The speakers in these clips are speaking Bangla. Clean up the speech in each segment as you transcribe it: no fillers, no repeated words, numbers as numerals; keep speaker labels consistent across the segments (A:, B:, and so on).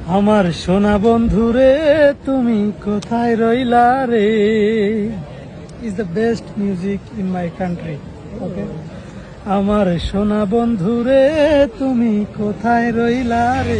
A: আমার সোনা বন্ধুরে তুমি কোথায় রইলা রে is the best music in my country. Okay, আমার সোনা বন্ধুরে তুমি কোথায় রইলা রে।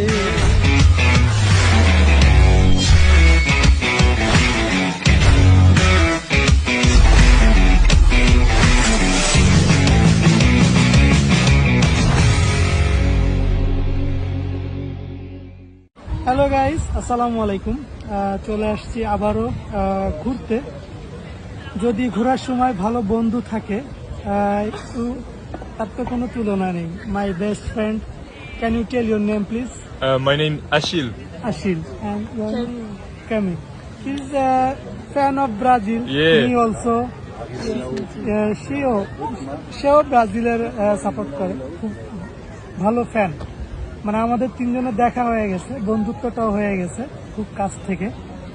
A: হ্যালো গাইস, আসসালামু আলাইকুম। চলে আসছি আবারও ঘুরতে। যদি ঘোরার সময় ভালো বন্ধু থাকে তার তো কোনো তুলনা নেই। My best friend, can you tell your name please?
B: My name Achille.
A: Ashil. And Kami. She's a fan of Brazil.
B: Yeah.
A: Me also. সেও ব্রাজিলের সাপোর্ট করে, খুব ভালো ফ্যান। মানে আমাদের তিনজনের দেখা হয়ে গেছে, বন্ধুত্বটাও হয়ে গেছে খুব কাছ থেকে।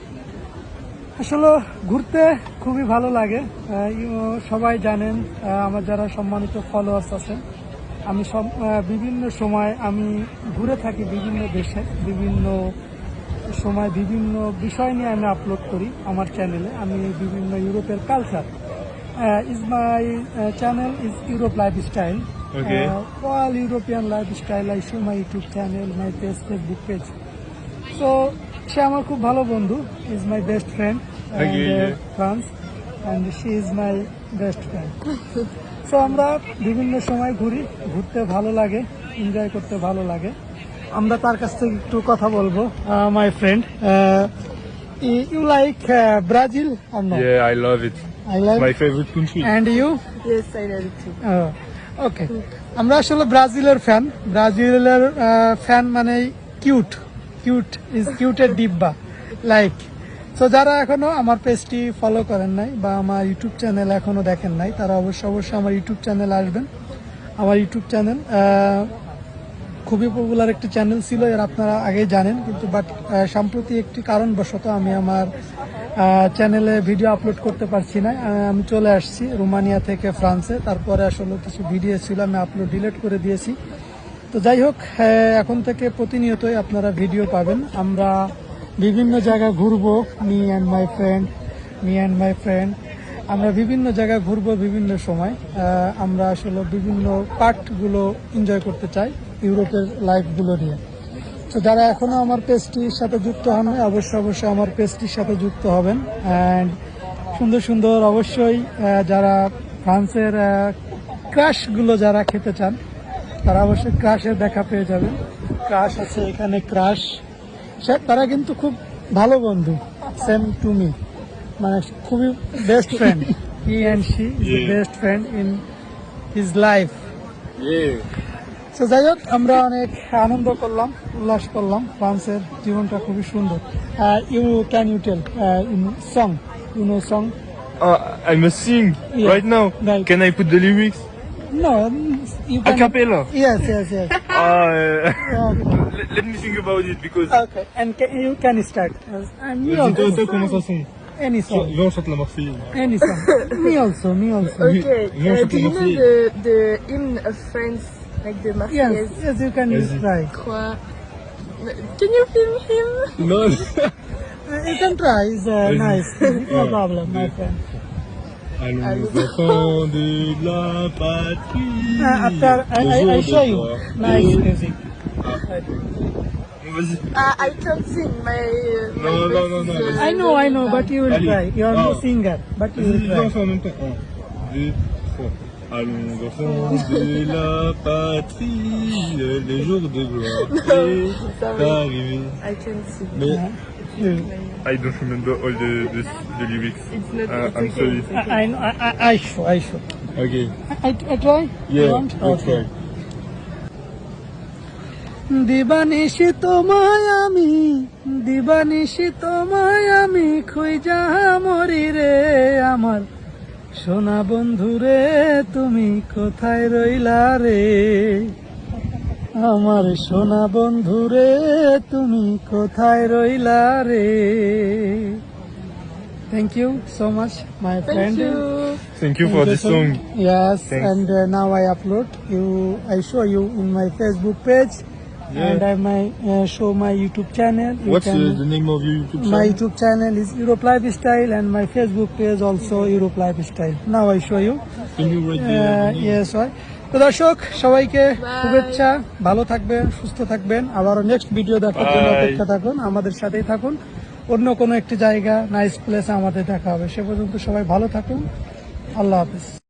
A: আসলে ঘুরতে খুবই ভালো লাগে। সবাই জানেন, আমার যারা সম্মানিত ফলোয়ার্স আছেন, আমি বিভিন্ন সময় আমি ঘুরে থাকি বিভিন্ন দেশে, বিভিন্ন সময় বিভিন্ন বিষয় নিয়ে আমি আপলোড করি আমার চ্যানেলে। আমি বিভিন্ন ইউরোপের culture, is my channel is Europe Lifestyle.
B: Okay.
A: All European lifestyle I show my YouTube channel, my page, Facebook page. So সে আমার খুব ভালো বন্ধু, is my best friend and France, and she is my best friend. So আমরা বিভিন্ন সময় ঘুরি, ঘুরতে ভালো লাগে, এনজয় করতে ভালো লাগে। আমরা তার কাছ থেকে একটু কথা বলবো। My friend, you like Brazil or no?
B: Yeah, I love it.
A: I love
B: My favorite country.
A: And you?
C: Yes, I love it too.
A: ওকে, আমরা আসলে ব্রাজিলের ফ্যান। ব্রাজিলের ফ্যান মানে কিউট, কিউট ইজ কিউটের ডিব্বা লাইক। সো যারা এখনো আমার পেজটি ফলো করেন নাই বা আমার ইউটিউব চ্যানেল এখনো দেখেন নাই, তারা অবশ্যই আমার ইউটিউব চ্যানেল আসবেন। আমার ইউটিউব চ্যানেল খুবই পপুলার একটি চ্যানেল ছিল, এর আপনারা আগেই জানেন, কিন্তু বাট সম্প্রতি একটি কারণবশত আমি আমার চ্যানেলে ভিডিও আপলোড করতে পারছি না। আমি চলে আসছি রোমানিয়া থেকে ফ্রান্সে। তারপরে আসলে কিছু ভিডিও ছিল, আমি আপলোড ডিলিট করে দিয়েছি। তো যাই হোক, এখন থেকে প্রতিনিয়তই আপনারা ভিডিও পাবেন। আমরা বিভিন্ন জায়গায় ঘুরবো, মি অ্যান্ড মাই ফ্রেন্ড আমরা বিভিন্ন জায়গায় ঘুরবো বিভিন্ন সময়। আমরা আসলে বিভিন্ন পার্টগুলো এনজয় করতে চাই ইউরোপের লাইফগুলো নিয়ে। তো যারা এখনো আমার পেজটির সাথে যুক্ত হন নাই, অবশ্যই আমার পেজটির সাথে যুক্ত হবেন। অ্যান্ড সুন্দর সুন্দর অবশ্যই যারা ফ্রান্সের ক্রাশগুলো যারা খেতে চান, তারা অবশ্যই ক্রাশের দেখা পেয়ে যাবেন। ক্রাশ আছে এখানে, ক্রাশ তারা কিন্তু খুব ভালো বন্ধু, সেম টু মি, মানে খুবই best friend. He and she is the best friend in his life. তো যাই হোক, আমরা অনেক আনন্দ করলাম, উল্লাস করলাম। ফ্রান্সের জীবনটা খুবই সুন্দর। Can you tell in song, you know song?
B: I must sing right now.
A: Right.
B: Can I put the lyrics?
A: No, you
B: A
A: can.
B: cappella.
A: Yes.
B: Let me think about it because.
A: Okay, and you can start. And me also.
B: Comment ça sonne?
A: Any song.
B: Viens, on chante la Marseillaise.
A: Any song. Me also.
C: Okay,
B: non, je
C: do you know
B: peux
C: the hymn of France, like the Marseillaise?
A: Yes, you can try.
C: Quoi? Can you film him?
B: Non.
A: You can try. It's nice. No problem, my friend.
B: Allons enfants de la patrie.
A: After I show you nice music.
B: Vas-y.
C: I can't sing. My
B: Non,
C: best
B: non, non,
C: is,
A: I know, but you will
B: Allez.
A: try. You are no singer, but you will
B: Vas-y, viens, on
A: try.
B: fait en même temps. 1, 2, 3. Allons enfants de la patrie, les jours de gloire est arrivé.
C: I can't sing.
B: Mais
A: You-
B: I don't remember all the lyrics.
C: It's not. It's
B: I'm
C: okay.
B: sorry.
C: It's okay.
A: I show.
B: Okay.
A: I try. You
B: Yeah,
A: want?
B: let's try.
A: দিবানিশি তোমায় আমি খুঁজা মরি রে, আমার সোনা বন্ধু রে তুমি কোথায় রইলা রে, আমার সোনা বন্ধু রে তুমি কোথায় রইলা রে। Thank you so much, my friend.
C: Thank you.
B: Thank you for this song.
A: Yes,
B: Thanks.
A: and now I upload you. I show you in my Facebook page. and I may show my YouTube channel. You
B: What's
A: can-
B: the name of your YouTube
A: My
B: channel?
A: YouTube channel is Europe Lifestyle and my Facebook page also Europe Lifestyle. Now I show you.
B: Can you write the name?
A: Yes, হয় তো দর্শক সবাইকে শুভেচ্ছা, ভালো থাকবেন, সুস্থ থাকবেন, আবারও নেক্সট ভিডিও দেখার জন্য
B: Bye.
A: অপেক্ষা থাকুন, আমাদের সাথেই থাকুন। অন্য কোনো একটি জায়গা নাইস প্লেসে আমাদের দেখা হবে। সে পর্যন্ত সবাই ভালো থাকুন। আল্লাহ হাফেজ।